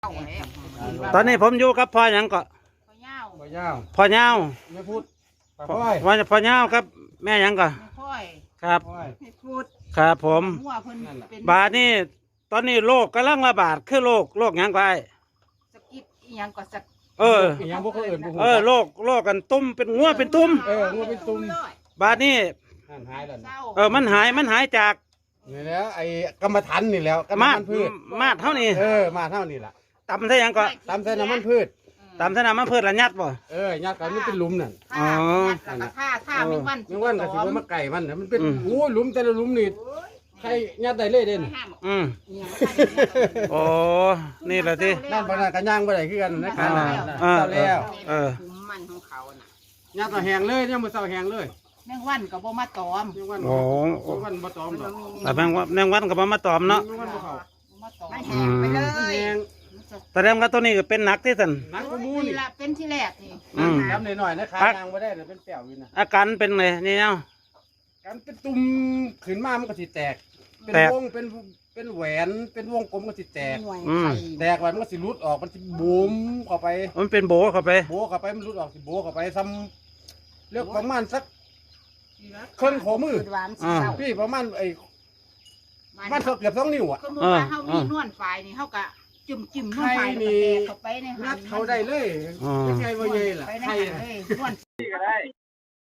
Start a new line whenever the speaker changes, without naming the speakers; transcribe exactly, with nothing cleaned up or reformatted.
ตอนนี้ผมอยู่กับพ่อหยังก็
พ่อย่าว
บ่ยาว
พ่อเหย้า
ไม่พูดปลา
พ่อ
พ้อย
ว่าพ่อเหย้าครับแม่หยังก็
ไม่ค่อย
ครับ
พ้อย
ไม่พูด
ครับผม
หัวเพิ่นเป็น
บาดนี้ตอนนี้โรคกำลังระบาดคือโรคโรคหยังก็ไอ้
สกิดอีหยังก็สัก
เออ
อีหยังพวกเขาเอื่นพวก
เออโรคโรคกันตุ้มเป็นงัวเป็นตุ้ม
เอองัวเป็นตุ่ม
บาดนี้
หันหายแล้ว
เศ
นะ
ร้า
เออมันหายมันหายจาก
นี่แล้วไอ้กรรมฐานนี่แล้วกรรม
มาด
ฐานพืช
มาดเท่านี้
เออมาเท่านี้ล่ะ
ตำใส่หยังก็
ตามใส่น้ำมันพืช
ตำใส่น้ำมันพืชละยัดบ่
เออญาติกันมันเป็นหลุมนั่น
ท่าแล้วก็ท่าท่าไม่วัน
ไม่ว่าก็สิว่ามาไก่มันน่ะมันเป็น
อืม
โอ้ยหลุมแต่ละหลุมนี่ใครญาติได้เลยเด่น
อืม
อีหยัง
โอ้นี่แหละที่
นั่นบ่น่ากันย่างบ่ได้คือกันนะ
อ่า
นั่นน่ะ
อ่า
เจ้าแล้ว
เออ
คุมมันของเขาน่ะ
ญาติเอาแห้งเลยเนี่ยมื้อเช้าแห้งเลย
แมงวันก็บ่มาตอม
แมงวัน
โอ้
แมงวันบ่ตอมดอก
แต่แมงวันแมงวันก็บ่มาตอมเนาะ
แมงวันบ่เข้า
บ่มาตอม
อืม
ไปเล
มัน
ย
แห้ง
แสดงว่าตัวนี้ก็เป็นหนักที่สุด
หนักกว่าหมู
นี่
นี่
ละเป็นที่แรกนี่
อืม
จำหน่อยๆนะขา
พัก
ยางบ่ได้น่ะเป็นแป้วอยู่นะ
อาการเป็นไงนี่เนาะ
การเป็นตุ่มขึ้นมามันก็สิแตก เป็น
แตก
วง เป็น เป็นแหวน เป็นวงกลมก็สิแตก
หน่วย
อืม
ไข่
แตกไว้มันก็สิรุดออก มันสิบูมเข้าไป
มันเป็นโบเข้าไป
โบเข้าไป มันรุดออกสิโบเข้าไปซ้ำเลือกประมาณสักเครื่องขอมือ
หวานสิเศร้า
พี่ประมาณไอ้มันเกือบสองนิ้วอ่ะ
ก็มือว่าเฮามีนวลฝ่ายนี่เฮาก็จุ่มจิ้มนวลฝ่ายแล้วก็แตกเข้าไปในหั
นั
น
ดเขาได้เลย
อ๋อ
เป็นไงบ่ใหญ่ล่ะ
ไปใน
ใคร
หัน
น่ะ
เลยนวล